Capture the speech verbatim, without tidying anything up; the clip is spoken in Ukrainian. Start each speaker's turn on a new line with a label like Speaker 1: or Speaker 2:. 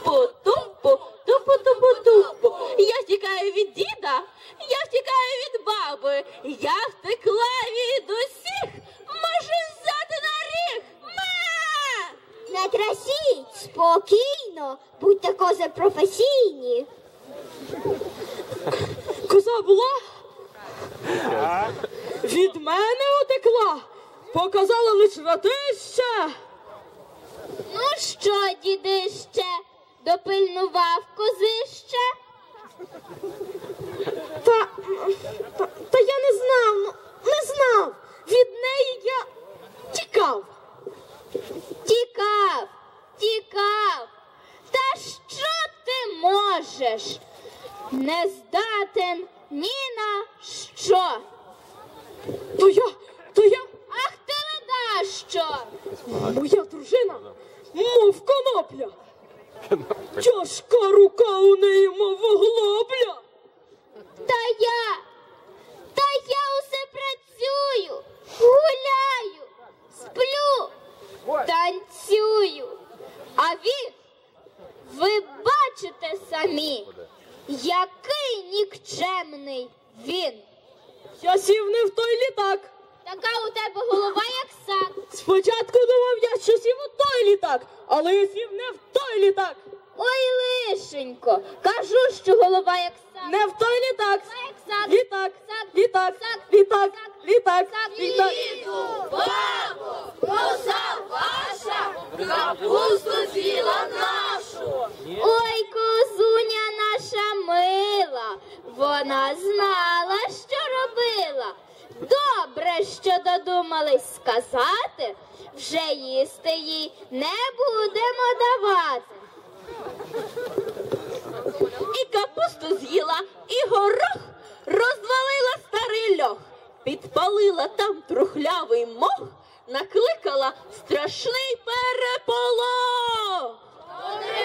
Speaker 1: Тупу-тупу, тупу-тупу-тупу. Я втікаю від діда, я втікаю від баби, я втекла від усіх, можу взяти на ріг. Ма!
Speaker 2: Не трасіть, спокійно, будьте кози професійні.
Speaker 3: Коза була? Від мене утекла, показала лиш ратище.
Speaker 2: Ну що, дідище, допильнував козище?
Speaker 3: Та, та, та я не знав, ну, не знав. Від неї я тікав.
Speaker 2: Тікав, тікав. Та що ти можеш? Не здатен ні на що.
Speaker 3: То я, то я,
Speaker 2: Ах ти леда що?
Speaker 3: моя дружина, мов конопля. Тяжка рука у неї, мов оглобля.
Speaker 2: Та я, та я усе працюю, гуляю, сплю, танцюю. А він, ви бачите самі, який нікчемний він.
Speaker 3: Я сів не в той літак.
Speaker 2: Така у тебе голова, як сак.
Speaker 3: Спочатку думав я, що сів у той літак, але я сів не в той літак.
Speaker 2: Ой, лишенько, кажу, що голова як сак.
Speaker 3: Не в той літак.
Speaker 2: Як сак.
Speaker 3: Літак,
Speaker 2: Сак.
Speaker 3: літак,
Speaker 2: Сак.
Speaker 3: літак,
Speaker 2: Сак.
Speaker 3: літак,
Speaker 2: Сак.
Speaker 3: літак.
Speaker 1: Бабо, коза ваша, капусту з'їла нашу.
Speaker 2: Ой, козуня наша мила, вона знала, що робила. Добре, що додумались сказати, вже їсти їй не будемо давати.
Speaker 1: І капусту з'їла, і горох, розвалила старий льох, підпалила там трухлявий мох, накликала страшний переполох.